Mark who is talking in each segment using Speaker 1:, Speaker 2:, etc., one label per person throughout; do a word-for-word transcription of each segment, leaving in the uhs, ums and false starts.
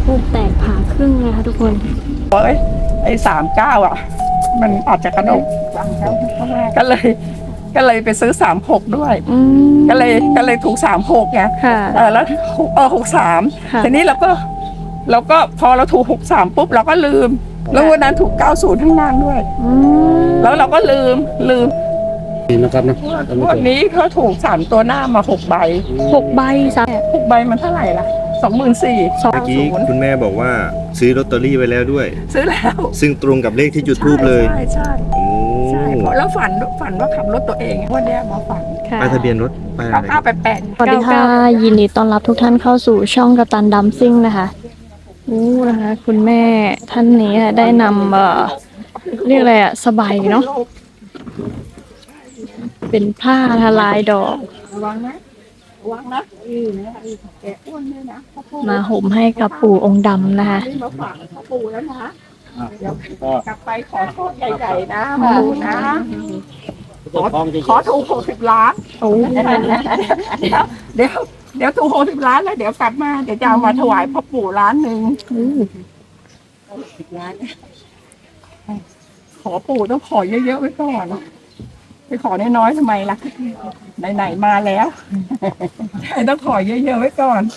Speaker 1: ทูบแตกผ่าครึ่งนะคะทุกคน
Speaker 2: เอ้ยไอ้สามเก้าอ่ะมันอาจจะกระดกก็เลยก็เลยไปซื้อสามหกด้วยก็เลยก็เลยถูกสามหกไงเออแล้วเออหกสามทีนี้เราก็เราก็พอเราถูกหกสามปุ๊บเราก็ลืมแล้ววันนั้นถูกเก้าศูนย์ข้างล่างด้วยแล้วเราก็ลืมลืม
Speaker 3: นะครับนะ
Speaker 2: วันนี้เขาถูกสามตัวหน้ามาหกใบ
Speaker 1: หกใบสาม
Speaker 2: หกใบมันเท่าไหร่ล่ะสองหมื่นสี่
Speaker 3: เมื่อกี้คุณแม่บอกว่าซื้อลอตเตอรี่ไว้แล้วด้วย
Speaker 2: ซื้อแล้ว
Speaker 3: ซึ่งตรงกับเลขที่จุดธูปเลย
Speaker 2: ใช่ใช่ใช่แล้วฝันฝันว่าขับรถตัวเองวันนี้มาฝัน
Speaker 3: ป้ายทะเบียนรถป้ายอะไร
Speaker 2: เก้าแปดแปด
Speaker 1: สวัสดีค่ะยินดีต้อนรับทุกท่านเข้าสู่ช่องกัปตันดัมซิ่งนะคะอู้นะคะคุณแม่ท่านนี้ได้นำเอ่อเรียกอะไรอะสบายเนาะเป็นผ้าทลายดอกมาห่มให้กับปู่องค์ดำนะคะ
Speaker 2: มาฝากปู่แล้วนะเดี๋ยวกลับไปขอโทษใหญ่ๆนะปู่นะขอขอถูกหกสิบล้านโอ้เดี๋ยวเดี๋ยวถูกหกสิบล้านแล้วเดี๋ยวกลับมาเดี๋ยวจะเอามาถวายพ่อปู่ล้านหนึ่งสิบล้านขอปู่ต้องขอเยอะๆไว้ก่อนไปขอน้อยๆทำไมล่ะไหนๆมาแล้วต้องขอเยอะๆไว้ก่อน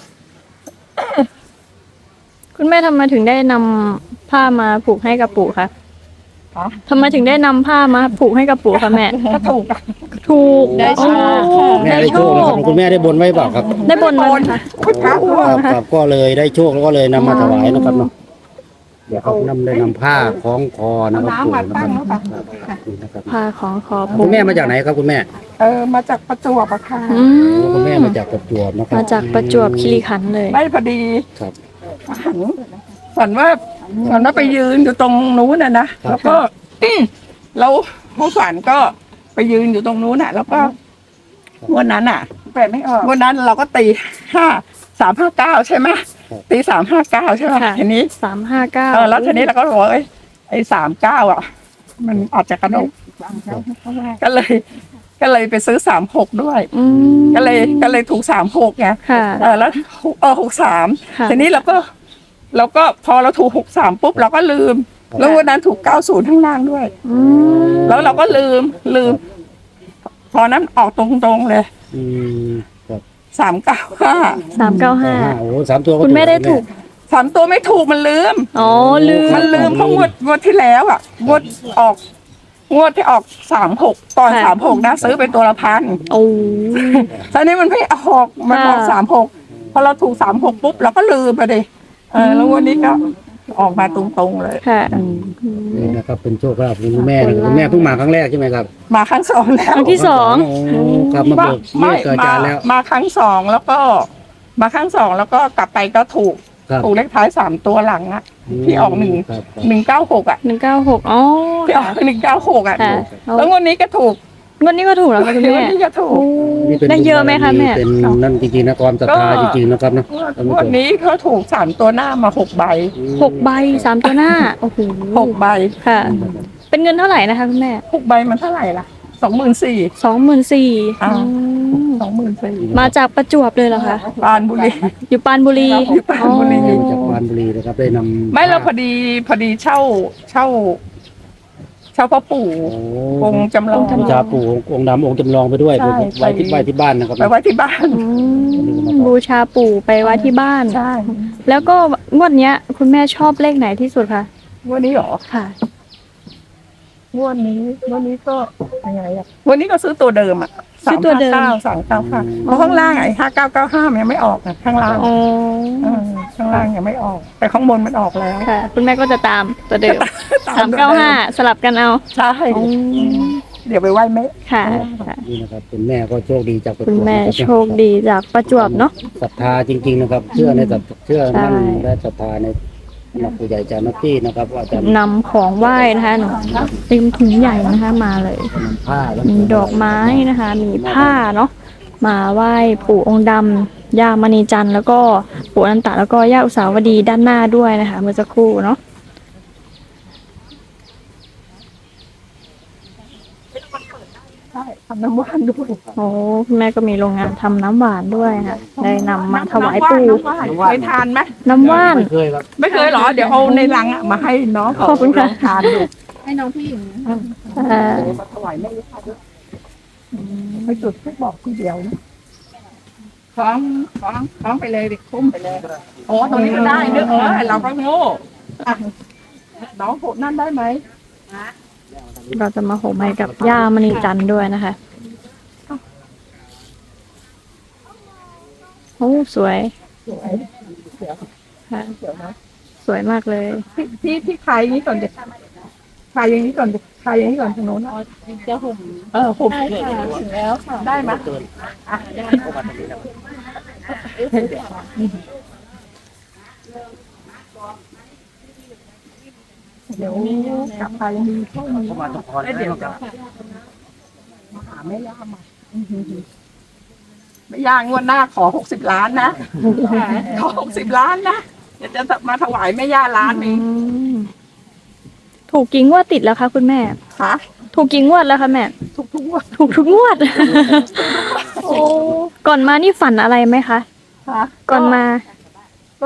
Speaker 1: คุณแม่ทำไมถึงได้นำผ้ามาผูกให้กับปู่คะทำไมถึงได้นำผ้ามาผูกให้กับปู่คะแม่
Speaker 2: ก็ถูก
Speaker 1: ถูก
Speaker 3: ได้โชคได้โชคนะครับคุณแม่ได้บนไว้เปล่าครับ
Speaker 1: ได้บนไว้ค่ะ
Speaker 3: ครับก็เลยได้โชคแล้วก็เลยนำมาถวายนะครับเนาะเดี๋ยวเขานำได้นำผ้าคล้องคอนะครับปู่นะครับ
Speaker 1: ผ้าคล้องคอ
Speaker 3: คุณแม่มาจากไหนครับคุณแม่
Speaker 2: เออมาจากประจวบอะค่ะ
Speaker 3: คุณแม่มาจากประจวบนะครับ
Speaker 1: มาจากประจวบคีรีขันธ์เลย
Speaker 2: ไม่พอดี
Speaker 3: ครับ
Speaker 2: ฝันว่าฝันว่าไปยืนอยู่ตรงนู้นน่ะนะแล้วก็เราผู้ฝันก็ไปยืนอยู่ตรงนู้นน่ะแล้วก็วันนั้นอ่ะแปลไม่ออกวันนั้นเราก็ตีห้าสามห้าเก้าใช่ไหมตีสามห้าเก้าใช่ไหมทีนี้
Speaker 1: สามห้าเก้า
Speaker 2: เออแล้วทีนี้เราก็บอกว่าไอ้สามเก้าอ่ะมันอาจจะกระดกก็เลยก็เลยไปซื้อสามหกด้วยก็เลยก็เลยถูกสามหกไงเออแล้วเออหกสามทีนี้เราก็เราก็พอเราถูกหกสามปุ๊บเราก็ลืมแล้ววันนั้นถูกเก้าศูนย์ข้างล่างด้วยแล้วเราก็ลืมลืมพอนั้นออกตรงๆเลยสามเก้าห้า
Speaker 1: สามเก้าห้า
Speaker 3: โอ้สามตัว
Speaker 1: คุณแม่ได้ถูก
Speaker 2: สามตัวไม่ถูกมันลืม
Speaker 1: อ๋อลืม
Speaker 2: มันลืมเพราะงวดงวดที่แล้วอ่ะงวดออกงวดที่ออกสามหกตอนสามหกนะซื้อเป็นตัวละพัน
Speaker 1: โอ้
Speaker 2: ตอนนี้มันไม่ออกมันออกสามหกพอเราถูกสามหกปุ๊บเราก็ลืมไปดิเออแล้ววันนี้ก็ออกมาตรงๆเลย
Speaker 1: ค่ะ
Speaker 3: นี่นะครับเป็นโชคลาภของคุณแม่คุณแม่เพิ่งมาครั้งแรกใช่ไหมครับ
Speaker 2: มาครั้งสองแล้ว
Speaker 1: ครั้งที่สอง
Speaker 3: ครับมาบอก
Speaker 2: ไม่มามาครั้งสองแล้วก็มาครั้งสองแล้วก็กลับไปก็ถูกถูกเลขท้ายสามตัวหลังอ่ะที่ออกหนึ่งหนึ่งเก้าหกอ่ะ
Speaker 1: หนึ่งเก้าหกอ๋อ
Speaker 2: ที่ออกหนึ่งเก้าหกอ่ะแล้ววันนี้ก็ถูก
Speaker 1: วันนี้ก็ถูกแล้วคุณแม่
Speaker 2: วันนี้ก็ถูก
Speaker 1: ได้เยอะไหมคะแม่
Speaker 3: เป็นนั่นจริงๆนะความศรัทธาจริงๆนะครับนะ
Speaker 2: วันนี้เขาถูกสามตัวหน้ามาหกใบ
Speaker 1: หกใบสามตัวหน้าโอ้โห
Speaker 2: หกใบ
Speaker 1: ค่ะเป็นเงินเท่าไหร่นะคะคุณแม่
Speaker 2: หกใบมันเท่าไหร่ล่ะสองหมื่นสี่
Speaker 1: สองหมื่นสี่
Speaker 2: สองหมื่นสี่
Speaker 1: มาจากประจวบเลยเหรอคะ
Speaker 2: ปานบุรี
Speaker 1: อยู่ปานบุรี
Speaker 2: อยู่ปานบุรี
Speaker 3: จากปานบุรีนะครับได้นำ
Speaker 2: ไม่เราพอดีพอดีเช่าเช่าเช่าพ่อปู่องค์จำลอง
Speaker 3: บูชาปู่องค์ดำองค์จำลองไปด้วยไปไว้ที่ไว้ที่บ้านนะครับ
Speaker 2: ไปไว้ที่บ้าน
Speaker 1: บูชาปู่ไปไว้ที่บ้าน
Speaker 2: ใช่
Speaker 1: แล้วก็งวดเนี้ยคุณแม่ชอบเลขไหนที่สุดคะ
Speaker 2: งวดนี้หรอ
Speaker 1: ค่ะ
Speaker 2: งวดนี้งวดนี้ก็ยังไงอ่ะวันนี้ก็ซื้อตัวเดิมอ่ะ
Speaker 1: สามตัวเดิม
Speaker 2: สามเก้าค่ะเพราะข้างล่างไอ้ห้าเก้าเก้าห้ามันยังไม่ออกนะข้างล่างข้างล่างยังไม่ออกแต่ข้างบนมันออกแล้ว
Speaker 1: ค่ะคุณแม่ก็จะตามตัวเดิมสามเก้าห้าสลับกันเอา
Speaker 2: ใช่เดี๋ยวไปไหว้แม่
Speaker 1: ค่ะ
Speaker 3: นี่นะครับคุณแม่ก็โชคดีจาก
Speaker 1: คุณแม่โชคดีจากประจวบเนาะ
Speaker 3: ศรัทธาจริงๆนะครับเชื่อในศรัทธาเชื่อมั่นและศรัทธาในหลักผู้ใหญ่จานักที่นะครับว่าจะ
Speaker 1: นำของไหว้นะคะหนูเต็มถุงใหญ่นะคะมาเลยมีดอกไม้นะคะมีผ้าเนาะมาไหว้ปู่องค์ดำย่ามณีจันทร์แล้วก็ปู่อนันตะแล้วก็ย่าอุสาวดีด้านหน้าด้วยนะคะเมื่อสักครู่เนาะ
Speaker 2: ใช่ทำน้ำหวานด้วย
Speaker 1: โอ้คุณแม่ก็มีโรงงานทำน้ำหวานด้วยค่ะได้นำมาถวายปู่
Speaker 2: น้ำหวานเคยทานไหม
Speaker 1: น้ำว่าน
Speaker 3: ไม่เคยครับ
Speaker 2: ไม่เคยเหรอเดี๋ยวเอาในลังอะมาให้น้อง
Speaker 1: ขอบคุณค่ะ
Speaker 2: ลงทานดู
Speaker 4: ให้น้องผู้หญิง
Speaker 1: เอ่อ
Speaker 2: เดี๋ยวมาถวายแม่ย่าด้วยไปจุดทุกบอกทีเดียวนะคล้องคล้องคล้องไปเลยดิคุ้มไปเลยโอ้ตรงนี้ก็ได้เนอะเออเราก็โง่อ่ะน้องโหดนั่นได้ไหม
Speaker 1: เราจะมาโหมให้กับย่ามณีจันทร์ด้วยนะคะโอ้สวย
Speaker 2: สวยเดี๋ยว
Speaker 1: ค่ะ
Speaker 2: เดี๋ยวนะ
Speaker 1: สวยมากเลย
Speaker 2: พี่พี่พี่คลายอย่างนี้ก่อนดิคลายอย่างนี้ก่อนดิคลายอย่างนี้ก่อนทางโน้นนะ
Speaker 4: จะห่ม
Speaker 2: เออห่ม
Speaker 4: ได้ค่ะถึงแล้วค่ะ
Speaker 2: ได้ไหมอ่ะเดี๋ยวกลับไปมีช่วงนี้แล้วเดี๋ยวจะมาหาแม่ย่าใหม่แม่ย่างวดหน้าขอหกสิบล้านนะขอหกสิบล้านนะเดี๋ยวจะมาถวายแม่ย่าล้านหนึง
Speaker 1: อืมถูกกี่งวดติดแล้วคะคุณแม่
Speaker 2: ค่ะ
Speaker 1: ถูกกี่งวดแล้วคะแม่
Speaker 2: ทุกทุกๆงวด
Speaker 1: ถูกทุกงวด โอ้ก่อนมานี่ฝันอะไรไหมคะ
Speaker 2: ค่ะ
Speaker 1: ก่อนมา
Speaker 2: ก็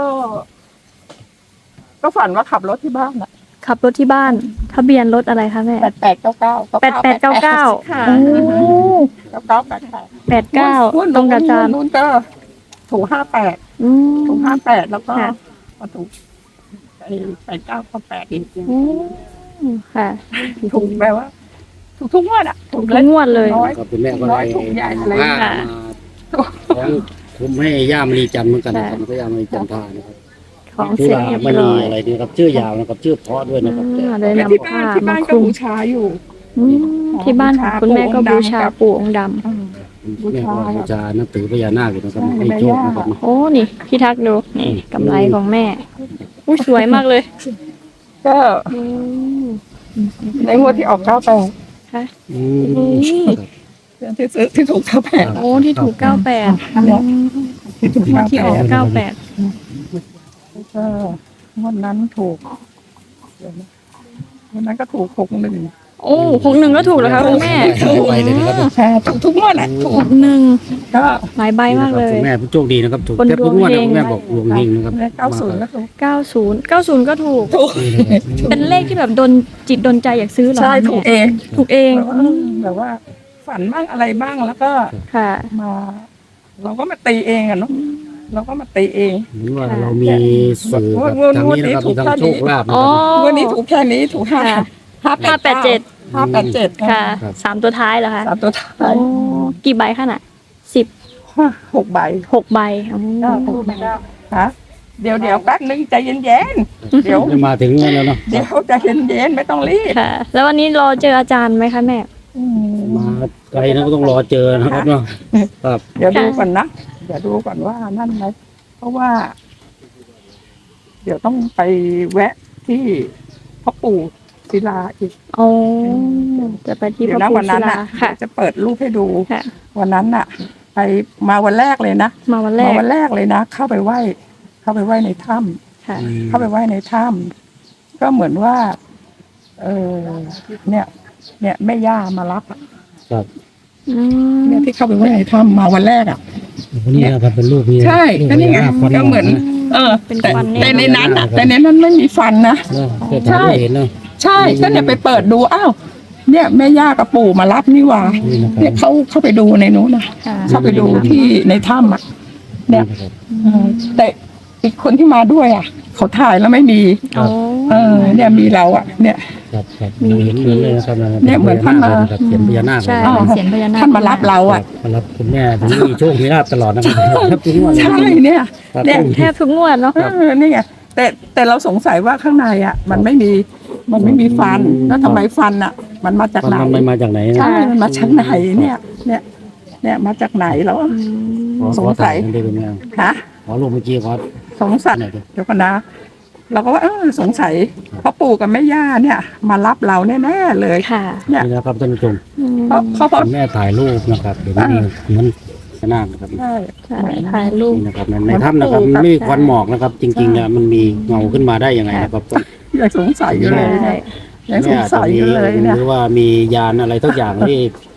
Speaker 2: ก็ฝันว่าขับรถที่บ้านอะ
Speaker 1: ขับรถที่บ้าน ทะเบียนรถอะไรคะแม่
Speaker 2: แปดแปดเก้าเก้า
Speaker 1: แปดแปดเก้าเก้า
Speaker 2: ค่ะ
Speaker 1: โอ้
Speaker 2: เก้าเก้าแปดแปด
Speaker 1: แปดเก้าตรงกับอาจารย์
Speaker 2: นู้นก็ถูกห้าแปด
Speaker 1: อืม
Speaker 2: ถูกห้าแปดแล้วก็
Speaker 1: ค่ะ
Speaker 2: มาถูกไอ้แปดเก้าก็แปดอีก
Speaker 1: อืมค่ะ
Speaker 2: ถูกแปลว่า ถูกทุกงวดอ่ะ
Speaker 1: ถูกทุกงวดเลย
Speaker 2: น้อย
Speaker 3: ก็คุณแม่ก็
Speaker 2: น้
Speaker 3: ได้
Speaker 2: อยถูกใหญ่อะไร
Speaker 3: ผ้า
Speaker 1: ค่ะ
Speaker 3: มาของคุมให้ย่ามณีจันทร์เหมือนกันนะครับก็ย่ามณีจันทรานะครับ
Speaker 1: ของ
Speaker 3: ชื่
Speaker 1: เส
Speaker 3: อ
Speaker 1: ร็จ
Speaker 3: ว่า
Speaker 1: เรียบ
Speaker 3: ม
Speaker 1: ร้
Speaker 3: ณี
Speaker 1: อย
Speaker 3: อะไรนี่ครับชื่อยาวนะครับ ชื่อเพราะด้วยนะครับ
Speaker 1: อ่าได้
Speaker 2: แล้ว
Speaker 1: นำ
Speaker 2: ที่บ้า
Speaker 1: ผ้าน
Speaker 2: ที่
Speaker 1: มา
Speaker 2: บ้าน
Speaker 1: ค
Speaker 2: ก็
Speaker 1: ลุม
Speaker 2: บูชาอยู่
Speaker 1: อืมที่บ้านของคุณแม่ก็บูชาปู่องค์ดำ
Speaker 2: อืม บูชา
Speaker 3: แม่ก็บูชานับถือพญานาคอยู่นะครับ
Speaker 2: ใช่
Speaker 3: ให้โชคนะครับ
Speaker 1: โอ้นี่พี่ทักดูนี่กำไรของแม่อุ้ยสวยมากเลย
Speaker 2: ก็
Speaker 1: อืม
Speaker 2: ในงวดที่ออกเก้าแปด
Speaker 1: ค่ะ
Speaker 3: อืม
Speaker 2: ที่ซื้อที่ถูกเก้าแปด
Speaker 1: โอ้ที่ถูกเก้าแปด
Speaker 2: ที่ถูก
Speaker 1: ที่
Speaker 2: เก้า
Speaker 1: อ
Speaker 2: แป
Speaker 1: อก
Speaker 2: ด
Speaker 1: เก้าแปด
Speaker 2: ก็งวดนั้นถูกเดี๋ยวนะงวดนั้นก็ถูกหกหนึ่ง
Speaker 1: โอ้หกหนึ่งก็ถูกแล้วคะคุณแม่
Speaker 3: ไปเลยนะครับ
Speaker 2: ใช่ถูกทุกงวดแหละถู
Speaker 1: ห
Speaker 2: ก
Speaker 1: กหนึ่ง
Speaker 2: ก็
Speaker 1: หลายใบมากเลย
Speaker 3: คุณแม่ผู้โชคดีนะครับถูก
Speaker 1: คน
Speaker 3: แทบทุกงวด
Speaker 1: ดวงเฮง
Speaker 3: นะคุณแม่บอกดวงเฮงนะครับ
Speaker 2: เก้าศูนย์ก็ถูก
Speaker 1: เก้าศูนย์เก้าศูนย์ก็ถูก
Speaker 2: ถูก
Speaker 1: เป็นเลขที่แบบโดนจิตโดนใจอยากซื้อเหรอ
Speaker 2: ใช่
Speaker 1: คะ
Speaker 2: ถูก
Speaker 1: แม่
Speaker 2: เอง
Speaker 1: ถูกเอง
Speaker 2: แบบว่าแบบว่า ฝันบ้างอะไรบ้างแล้วก็
Speaker 1: ค่ะ
Speaker 2: มา เราก็มาตีเองอะเนาะเราก็มาตีเอง
Speaker 3: เหมือนว่าเรามีสื่อกับทางนี้นะครับมีทางโชคลาภนะ
Speaker 1: อ๋อ
Speaker 3: ครับ
Speaker 2: วันนี้ถูกแค่นี้ถูกห้า
Speaker 1: ค่ะ
Speaker 2: ห้า
Speaker 1: ห้าแปดเจ็ด
Speaker 2: ห้าแปดเจ็ด
Speaker 1: ค่ะ
Speaker 3: ครับ
Speaker 1: สามตัวท้ายเหรอคะ
Speaker 2: สามตัวท้า
Speaker 1: โอ้
Speaker 2: ย
Speaker 1: กี่ใบคะน่ะสิบ
Speaker 2: หกใบ
Speaker 1: หกใบอ๋อ
Speaker 2: หกใบฮะเดี๋ยวเดี๋ยวแป๊บนึงใจเย็นๆเดี๋ยว
Speaker 3: จะมาถึงแล้วเนาะ
Speaker 2: เดี๋ยวใจเย็นๆไม่ต้องรีบ
Speaker 1: ค่ะ แล้ววันนี้รอเจออาจารย์ไหมคะแม่
Speaker 2: อืม
Speaker 3: มาไกลนะก็ต้องรอเจอนะครับเนาะครับ
Speaker 2: เดี๋ยวดูก่อนนะเดี๋ยวดูก่อนว่านั่นไหมเพราะว่า เดี๋ยวต้องไปแวะที่พ่อปู่ศิลาอีก
Speaker 1: โอ้จะไปที่พ
Speaker 2: เดี๋ย
Speaker 1: ระ
Speaker 2: วนะ
Speaker 1: พุท
Speaker 2: วัน
Speaker 1: ธ
Speaker 2: นั้น
Speaker 1: ศิลา
Speaker 2: น่ะ
Speaker 1: ค่ะ
Speaker 2: จะเปิดรูปให้ดู
Speaker 1: ค่ะ
Speaker 2: วันนั้นน่ะ ไปมาวันแรกเลยนะ
Speaker 1: มาวันแร
Speaker 2: มาก วันแรกเลยนะเข้าไปไหว้ เข้าไปไหว้ในถ้ำ
Speaker 1: ค่ะ
Speaker 2: เข้าไปไหว้ในถ้ำก็เหมือนว่า เออเนี่ย เนี่ยแม่ย่ามารับอะ
Speaker 3: ครับ
Speaker 1: อืม
Speaker 2: เนี่ยที่เข้าไปไหว้ในถ้ำมาวันแรกอ่ะ
Speaker 3: นี่นะครับเป็นรูปนี้
Speaker 2: ใช่
Speaker 3: รูป
Speaker 2: ก็นี่ไง
Speaker 3: พญาาค
Speaker 2: ก็เหมือน เออ
Speaker 1: เป็น
Speaker 2: แต่
Speaker 1: ควันเนี่ย
Speaker 2: แต่ในนั้นอ่ะ แต่ในนั้นไม่มีฟันนะ
Speaker 3: เนอะเพื่อทำให้เห็นเนาะ
Speaker 2: ใช่ก็เนี่ยไปเปิดดูอ้าวเนี่ยแม่ย่ากับปู่มารับนี่หว่า
Speaker 3: นี่นะครับ
Speaker 2: เนี่ยเขาเข้าไปดูในนู้นนะ
Speaker 1: ค่ะ
Speaker 2: เข้าไปดูที่ในถ้ำอ่ะ เนี่ย
Speaker 3: นะครับ
Speaker 2: เออแต่อีกคนที่มาด้วยอ่ะ เขาถ่ายแล้วไม่มี
Speaker 1: โอ้
Speaker 2: เออ เนี่ยมีเราอ่ะ เนี่ย
Speaker 3: ครับครับเราเห็นเหมือนเลยนะครับ
Speaker 2: เนี่ยเหมือนท่านมา
Speaker 3: ครับเขียนพญานาค
Speaker 1: ใช่
Speaker 3: เลย
Speaker 1: เป็นเสียงพญานาค
Speaker 2: ท่านมารับเราอ่ะ
Speaker 3: มารับคุณแม่ถึงมีโชคมีลาภตลอดนะครับครับทุกงวดเลย
Speaker 2: ใช่เนี่ย
Speaker 3: ครับ
Speaker 2: เนี่ย
Speaker 1: แทบทุกงวดเนาะ
Speaker 2: เออนี่ไงแต่แต่เราสงสัยว่าข้างในอ่ะ มันไม่มีมันไม่มีฟันแล้วทำไมฟันอ่ะ มันมาจาก
Speaker 3: มัน
Speaker 2: ไหน
Speaker 3: มันมาจากไหนนะ
Speaker 2: ใช่มันมาจากไหนเนี่ย เนี่ย เนี่ยมาจากไหนแล้ว
Speaker 1: อืม
Speaker 3: ขอ
Speaker 2: สงสัย
Speaker 3: ขอถ่ากันได้เป็นไง
Speaker 2: ฮะ
Speaker 3: ขอรูปเมื่อกี้ขอ
Speaker 2: สงสัย
Speaker 3: หน่อยดิ
Speaker 2: เดี๋ยวก่อนนะเราก็ว่าเออสงสัยพ่อปู่กับแม่ย่าเนี่ย มารับเราแน่ๆเลย
Speaker 1: ค่ะ
Speaker 2: เนี่ย
Speaker 3: นี่นะครับท่านผู้ชม
Speaker 1: อืม
Speaker 2: เพราะเขาเพราะ
Speaker 3: คุณแม่ถ่ายรูปนะครับเดี๋ยวนี้เหมือนพญานาคนะครับ
Speaker 2: ใช่
Speaker 1: ใช่ถ่ายรูป
Speaker 3: นี่นะครับในในถ้ำนะครับมันไม่มีควันหมอกนะครับ จริงๆเนี่ยมันมีเงาขึ้นมาได้ยังไงนะครับ
Speaker 2: ยังสงสัยอยู่เลย
Speaker 1: ใช่
Speaker 2: เนี่ยยังสงสัยอยู่เลยเนี่ย
Speaker 3: หรือว่ามียานอะไรทุกอย่างที่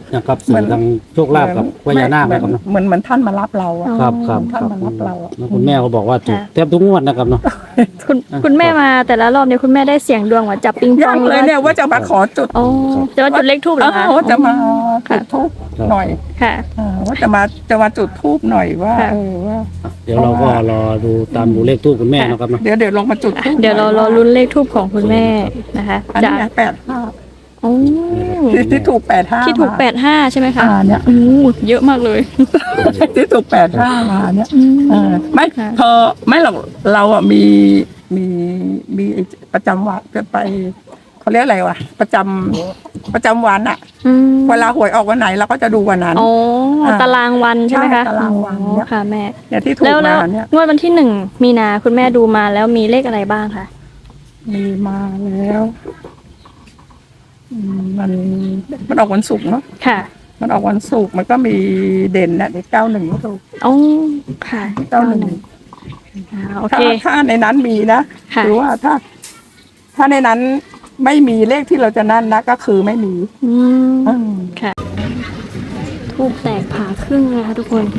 Speaker 3: นะครับสื่อทางโชคลาภกับพญานาคนะครับเนาะ
Speaker 2: เหมือนเหมือนท่านมารับเราอะ
Speaker 3: ครับครับค
Speaker 2: ท่าน
Speaker 3: รับ
Speaker 2: มารับเราอะ
Speaker 3: แล้วคุณแม่ก็บอกว่าถูกแทบทุกงวดนะครับเนาะ
Speaker 1: คุณคุณแม่มาแต่ละรอบเนี่ยคุณแม่ได้เสียงดวงว่าจับปิงป
Speaker 2: ยั
Speaker 1: อง
Speaker 2: งเลยเนี่ยว่าจะมาขอจุด
Speaker 1: โอ้จะมาจุดเลขทูบเหรอคะ
Speaker 2: เออว่าจะมาจุดทูบหน่อย
Speaker 1: ค่ะ
Speaker 2: เออว่าจะมาจะมาจุดทูบหน่อยว่า
Speaker 1: ค่ะ
Speaker 2: เออว่า
Speaker 3: เดี๋ยวเราก็รอดูตามดูเลขทูบคุณแม่นะครับเนาะ
Speaker 2: เดี๋ยวเดี๋ยวลงมาจุดธูป
Speaker 1: เดี๋ยวเรารอลุ้นเลขทูบของคุณแม่นะคะ
Speaker 2: อัน
Speaker 1: จะ
Speaker 2: นี้แปดห้า
Speaker 1: โอ้
Speaker 2: ที่ที่ถูกแปดห้า
Speaker 1: ที่ถูกแปดห้าใช่ไหมคะ
Speaker 2: อ่าเนี่ย
Speaker 1: โอ้เยอะมากเลย
Speaker 2: ที่ถูกแปดห้ามาเนี่ยเออไม่
Speaker 1: ค่ะ
Speaker 2: พอไม่หรอกเราอ่ะมีมีมีประจำวันจะไปเขาเรียกอะไรวะประจำประจำวันอ่ะ
Speaker 1: อืม
Speaker 2: เวลาหวยออกวันไหนเราก็จะดูวันนั้น
Speaker 1: อ๋อ
Speaker 2: อ่า
Speaker 1: ตารางวันใช่ไหมคะ
Speaker 2: ใช่ตารางวันเนี่ย
Speaker 1: อ๋อค่ะแม่
Speaker 2: เนี่ยที่ถูก
Speaker 1: แล้วแล้ว
Speaker 2: มาเนี่ย
Speaker 1: งวดวันที่หนึ่งมีนาคุณแม่ดูมาแล้วมีเลขอะไรบ้างคะ
Speaker 2: มีมาแล้วอืมมันมันออกวันศุกร์เนาะ
Speaker 1: ค่ะ
Speaker 2: มันออกวันศุกร์มันก็มีเด่นนะเด็กเก้าหนึ่งก็ถูก
Speaker 1: อ๋อค่ะ
Speaker 2: เก้าหนึ่ง
Speaker 1: อ่าโอ
Speaker 2: ถ้า
Speaker 1: เค
Speaker 2: ถ้าในนั้นมีนะ
Speaker 1: ค่ะ
Speaker 2: หรือว่าถ้า ถ้าในนั้นไม่มีเลขที่เราจะนั่นนะก็คือไม่มี
Speaker 1: อืม
Speaker 2: อืม
Speaker 1: ค่ะทูบแตกผ่าครึ่งนะคะทุกคน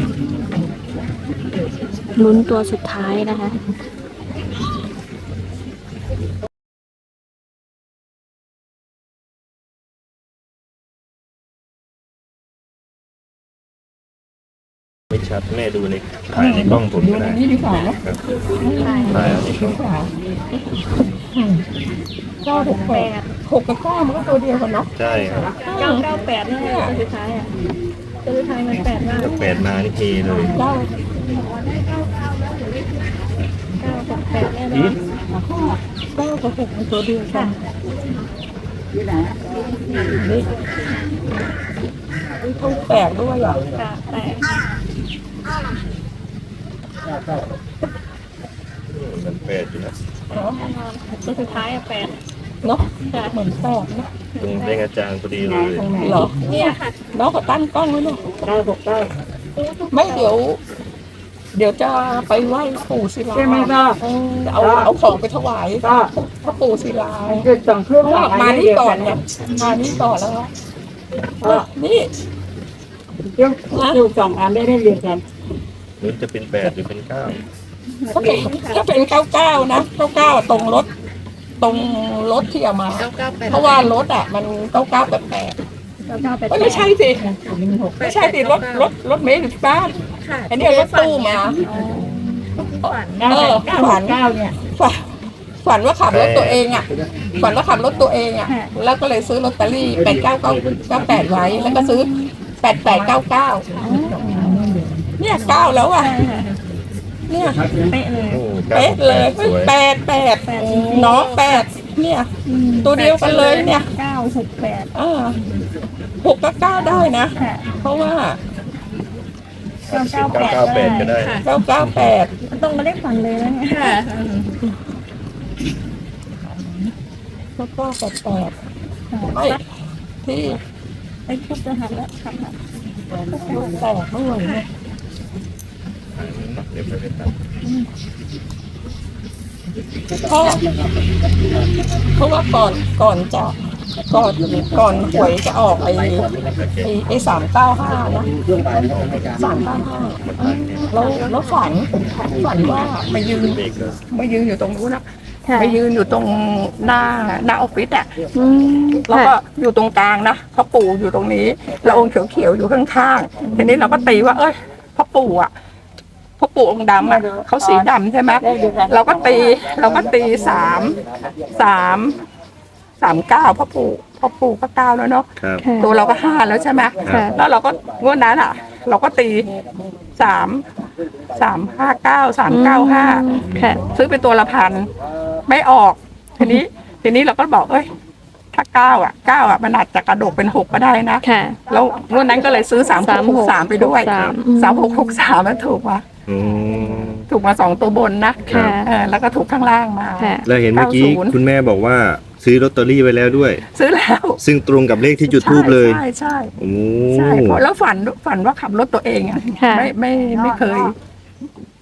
Speaker 1: ลุ้นตัวสุดท้ายนะคะ
Speaker 5: ไม่ชัดแม่ดูในถ่ายในกล้องผม
Speaker 2: ดู
Speaker 5: ก็
Speaker 2: ใน
Speaker 5: ได้
Speaker 2: นี้ดีกว่าเนาะ
Speaker 5: ถ่ายเอาในกล้อง
Speaker 2: เก้าหกแปดหกกับเก้ามันก็ตัวเดียวกันเนาะ
Speaker 5: ใช่ครับ
Speaker 1: เก้าเก้าแปดนี่ตัวสุดท้ายอ่ะตัวสุดท้ายมันแปดมาก
Speaker 5: ถ้าแปดมานี่เฮเลย
Speaker 2: เก้า
Speaker 1: เก้าหกแปดแน่นอน
Speaker 2: เก้ากับหกมันตัวเดียวกันนี่นะนี่นี่ต้องแปลกด้วยอ่ะ
Speaker 1: ค่ะแปด
Speaker 5: มันแปดอยู่นะ
Speaker 1: ตัวสุดท้ายอ่ะแปด
Speaker 2: เนาะเหมือนแปลกนะ
Speaker 5: ตรงเลขอาจารย์พอดีเลย
Speaker 2: เหรอ
Speaker 1: เนี่ยค่ะ
Speaker 2: น้องก็ตั้งกล้องไว้เนาะเก้าหกเก้าไม่เดี๋ยว เดี๋ยวจะไปไหว้ปู่ศิลาใช่ไหมก็เอาเอาของไปถวายพระปู่ศิลาคือสองเครื่องมานี่ก่อนเนี่ยมานี่ก่อนแล้วก็นี่
Speaker 6: เรื่องอยู่สองอันได้ได้เรียนกัน
Speaker 5: หรือจะเป็นแปดหรือเป็นเก้า
Speaker 2: ถ้าเป็นถ้าเป็นเก้าเก้านะเก้าเก้าตรงรถ ตรงรถที่เอามา เพราะว่ารถอ่ะ มันเก้าเก้าแปดแปด
Speaker 1: เก้าเก้าแปด
Speaker 2: ไม่ใช่สิไม่ใช่สิรถรถรถเมล์อยู่ที่บ้านอันนี้รถตู้มาเออฝัน
Speaker 6: เก้าเนี่ย
Speaker 2: ฝันฝันว่าขับรถตัวเองอ่ะฝันว่าขับรถตัวเองอ่ะ แล้วก็เลยซื้อลอตเตอรี่แปดเก้าเก้าเก้าแปดไว้ แล้วก็ซื้อแปดแปดเก้าเก้าเนี่ยเก้าแล้วอ่ะเนี่ย
Speaker 5: โอ้เก้า
Speaker 2: เป๊ะ
Speaker 5: หก
Speaker 2: เล
Speaker 5: แป
Speaker 2: ย
Speaker 5: ดสวย
Speaker 2: แปดแปดน้องแปดเนี่ย ตัวเดียวกันเลยเนี่ย
Speaker 1: เก้าหกแปด
Speaker 2: อ่าหกกับเก้าได้นะ เพราะว่า
Speaker 5: เก้าเก้าแปดก็ได้
Speaker 2: เก้าเก้าแปด
Speaker 1: มันต้องมาเลขฝันเลยนะเนี่ย
Speaker 2: แล้วก็แปดแปดไม่ที่
Speaker 1: ไอ้ทุบจะหันแล้วค่ะ
Speaker 2: แตกเมื่อไหร่เนี่ย
Speaker 5: เดี๋ยวไปเลยครับ
Speaker 2: เพราะเพราะว่าก่อนก่อนจะก่อนก่อนหวยจะออกไอ้ไอ้ไอ้สามเก้าห้านะสามเก้าห้าแล้วแล้วฝันฝันว่ามายืน
Speaker 5: เด็กก็
Speaker 2: มายืนอยู่ตรงนู้นนะ
Speaker 1: ค่ะ
Speaker 2: มายืนอยู่ตรงหน้าหน้าออฟฟิศอ่ะ
Speaker 1: อืม
Speaker 2: แล้วก็อยู่ตรงกลางนะพ่อปู่อยู่ตรงนี้แล้วองค์เขียวๆอยู่ข้างๆทีนี้เราก็ตีว่า เอ้ยพ่อปู่อ่ะพ่อปู่องค์ดำอ่ะเขาสีดำใช่ไหมเราก็ตีเราก็ตีสามสามสามเก้าพ่อปู่พ่อปู่ก็เก้าแล้วเนาะ
Speaker 5: ครับ
Speaker 1: ค่ะ
Speaker 2: ตัวเราก็ห้าแล้วใช่ไหม
Speaker 1: ค่ะ
Speaker 2: แล้วเราก็งวดนั้นอ่ะ เราก็ตีสามสามห้าเก้าสามเก้าห้า
Speaker 1: ค่ะ
Speaker 2: ซื้อเป็นตัวละพันไม่ออก ทีนี้ ทีนี้เราก็บอกเอ้ยถ้าเก้าอ่ะเก้าอ่ะมันอาจจะกระโดดเป็นหกก็ได้นะ
Speaker 1: ค่ะ
Speaker 2: แล้วงวดนั้นก็เลยซื้อสามหกหกสามไปด้วย
Speaker 1: สามอืม
Speaker 2: สามหกหกสามมันถูกมา
Speaker 5: อืม
Speaker 2: ถูกมาสองตัวบนนะ
Speaker 1: ค่ะ
Speaker 2: เออแล้วก็ถูกข้างล่างมา
Speaker 1: ค่ะ
Speaker 5: แล้วเห็นเมื่อกี้
Speaker 2: เก้าศูนย์
Speaker 5: คุณแม่บอกว่าซื้อลอตเตอรี่ไว้แล้วด้วย
Speaker 2: ซื้อแล้ว
Speaker 5: ซึ่งตรงกับเลขที่จุดทูบเลย
Speaker 2: ใช่ใช่
Speaker 5: โอ้
Speaker 2: ใช่ใช่เพราะแล้วฝันฝันว่าขับรถตัวเองอ่ะ
Speaker 1: ค่ะ
Speaker 2: ไม่ไม่ไม่เคย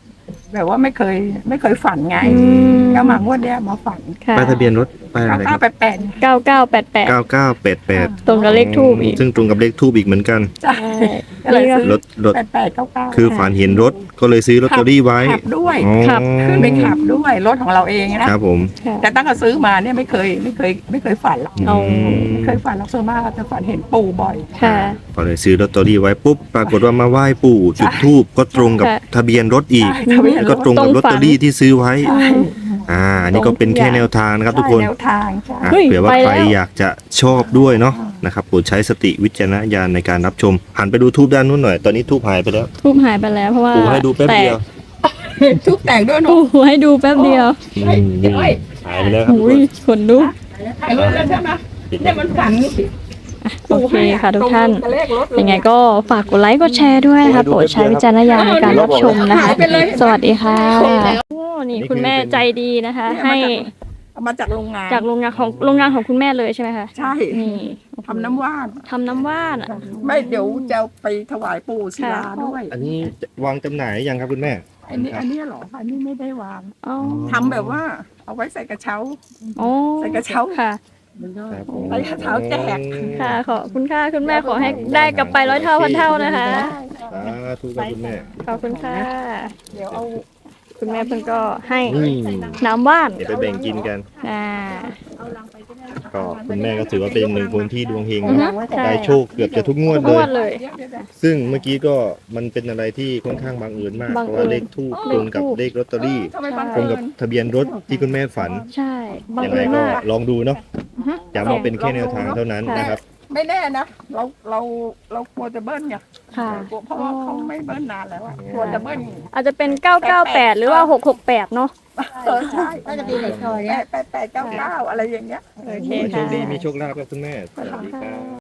Speaker 2: แบบว่าไม่เคย ไม่เคยฝันไง
Speaker 1: อืม
Speaker 2: ก็มางวดเนี้ยมาฝัน
Speaker 1: ค่ะ
Speaker 5: ป้ายทะเบียนรถป้ายอะไรค
Speaker 2: เก้า
Speaker 5: รับ
Speaker 2: แปดแปด
Speaker 1: เก้าเก้าแปดแปด
Speaker 5: เก้าเก้าแปดแปด
Speaker 1: ตรงกับเลขทูบอีก
Speaker 5: ซึ่งตรงกับเลขทูบอีกเหมือนกัน
Speaker 2: ใช่ก็เลยซื้อ
Speaker 5: รถรถ
Speaker 2: แปดแปดเก้าเก้า
Speaker 5: คือฝันเห็นรถก็เลยซื้อลอตเตอรี่ไว้
Speaker 2: ขับด้วย
Speaker 5: อ๋อ
Speaker 1: ขับ
Speaker 2: ขึ้นไปขับด้วยรถของเราเองนะ
Speaker 5: ครับผม
Speaker 1: ค่ะ
Speaker 2: แต่ตั้งแต่ซื้อมาเนี่ยไม่เคยไม่เคยไม่เคยฝันหรอก
Speaker 1: เอา
Speaker 2: ไม่เคยฝันหรอกส่วนมากจะฝันเห็นปู่บ่อย
Speaker 1: ค่ะ
Speaker 5: ก็เลยซื้อลอตเตอรี่ไว้ปุ๊บปรากฏว่ามาไหว้ปู่จุดธูปก็ตรงกับ
Speaker 1: ค่ะ
Speaker 5: ทะเบียนรถอีก
Speaker 2: ใช่ทะเบียน
Speaker 5: แล้ว
Speaker 2: ร
Speaker 5: ก็
Speaker 2: ถ
Speaker 5: ตรงกับลอตเตอรี่ที่ซื้อไว้
Speaker 2: ใช่
Speaker 5: อ่าอันนี้ก็เป็นแค่แนวทางนะครับทุกคน
Speaker 2: ใช่แนวทางใช่
Speaker 5: อ่ะ
Speaker 1: เฮ้ย
Speaker 5: เผื่อว่า
Speaker 1: ไป
Speaker 5: ใคร
Speaker 1: แล้ว
Speaker 5: อยากจะชอบด้วยเนาะนะครับโปรดใช้สติวิจารณญาณในการรับชม หันไปดูทูบด้านนู้นหน่อย ตอนนี้ทูบหายไปแล้ว
Speaker 1: ทูบหายไปแล้วเพราะว่า
Speaker 5: ปู่ให้ดูแป๊บเดียว
Speaker 2: ทุกแต่งด้วย
Speaker 1: แตก
Speaker 2: เนาะ
Speaker 1: ปู่ให้ดูแป๊บเดียว
Speaker 5: อืมนี่หายไปแล้วครับทุก
Speaker 1: อุ้
Speaker 5: ค
Speaker 1: ย
Speaker 5: น
Speaker 1: ขนลุก
Speaker 2: ถ่ายรูปแล้วใช่ไหมเนี่ยมันฝัน
Speaker 1: โอเคค่ะทุกท่าน
Speaker 2: ตรงกับเลขรถเลย
Speaker 1: ยังไงก็ฝากกดไลค์กดแชร์ด้วยนะคะโปรดใช้วิจารณญาณในการรับชมนะคะ สวัสดีค่ะโอ้นี่คุณแม่ใจดีนะคะ ให้
Speaker 2: เอามาจากโรงงาน
Speaker 1: จากโรงงานของโรงงานของคุณแม่เลยใช่ไหมคะ
Speaker 2: ใช่
Speaker 1: นี่
Speaker 2: ทำน้ำว่าน
Speaker 1: ทำน้ำว่านอะ
Speaker 2: ไม่เดี๋ยวจะไปถวายปู่ศิลาด้วย
Speaker 5: อันนี้วางจำหน่ายยังครับคุณแม่
Speaker 2: อันนี้อันนี้เหรออันนี้ไม่ได้วาง
Speaker 1: อ๋อ
Speaker 2: ทำแบบว่าเอาไว้ใส่กระเช้า
Speaker 1: อ๋อ
Speaker 2: ใส่กระเช้า
Speaker 1: ค่ะ
Speaker 5: ครับผม
Speaker 2: ใส่กระเช้าแจก
Speaker 1: ค่ะขอบคุณค่ะคุณแม่ขอให้ได้กลับไปร้อยเท่าพันเท่านะคะ
Speaker 5: สาธุครับคุณแม่
Speaker 1: ขอบคุณค่ะ
Speaker 2: เดี๋ยวเอา
Speaker 1: คุณแม่เพิ่งก็ให้
Speaker 5: นี่
Speaker 1: น้ำว่าน
Speaker 5: เดี๋ยวไปแบ่งกินกัน
Speaker 1: อ่า
Speaker 5: ก็คุณแม่ก็ถือว่าเป็นหนึ่งคนที่ดวงเฮง
Speaker 1: อือ
Speaker 5: เน
Speaker 1: ฮึ
Speaker 5: อะ
Speaker 1: ใช่
Speaker 5: ได้โชคเกือบจะทุกงวด
Speaker 1: ทุก
Speaker 5: เล
Speaker 1: งวย ดเลย
Speaker 5: ซึ่งเมื่อกี้ก็มันเป็นอะไรที่ค่อนข้างบังเอิญมาก
Speaker 1: บัง
Speaker 5: เพ
Speaker 1: เอิญ
Speaker 5: ราะว่าเลขทูบตรงกับเลขลอตเตอรี่
Speaker 2: ทำไมบัง
Speaker 5: ตรง
Speaker 2: เอิ
Speaker 5: กับ
Speaker 2: ญ
Speaker 5: ทะเบียนรถที่คุณแม่ฝัน
Speaker 1: ใช่บัง
Speaker 5: ยัง
Speaker 1: เอิ
Speaker 5: ไง
Speaker 1: ญ
Speaker 5: ก็
Speaker 1: มาก
Speaker 5: ลองดูเนาะ
Speaker 1: อือฮึ
Speaker 5: ย้ำว่าเป็นแค่แนวทางเท่านั้น
Speaker 1: ค่ะ
Speaker 5: นะครับ
Speaker 2: ไม่แน่นะเราเราเรากลัวจะเบิ้ลไง
Speaker 1: ค่ะ
Speaker 2: กลัวเพราะว่าเขาไม่เบิ้ลนานแล้วอะกลัวจะเบิ้ล
Speaker 1: อาจจะเป็นเก้าเก้าแปดหรือว่าหกหกแปดเนาะ
Speaker 2: เออใช่
Speaker 4: ก็จะมีในซอย
Speaker 2: แป
Speaker 4: เนี้ย
Speaker 2: ดแปดแปดเก้าเก้าอะไรอย่างเงี้ย
Speaker 1: โอเค
Speaker 5: โช
Speaker 1: ค่ะ
Speaker 5: คดีมีโชคลาภครับคุณแม่สวัสดีครับ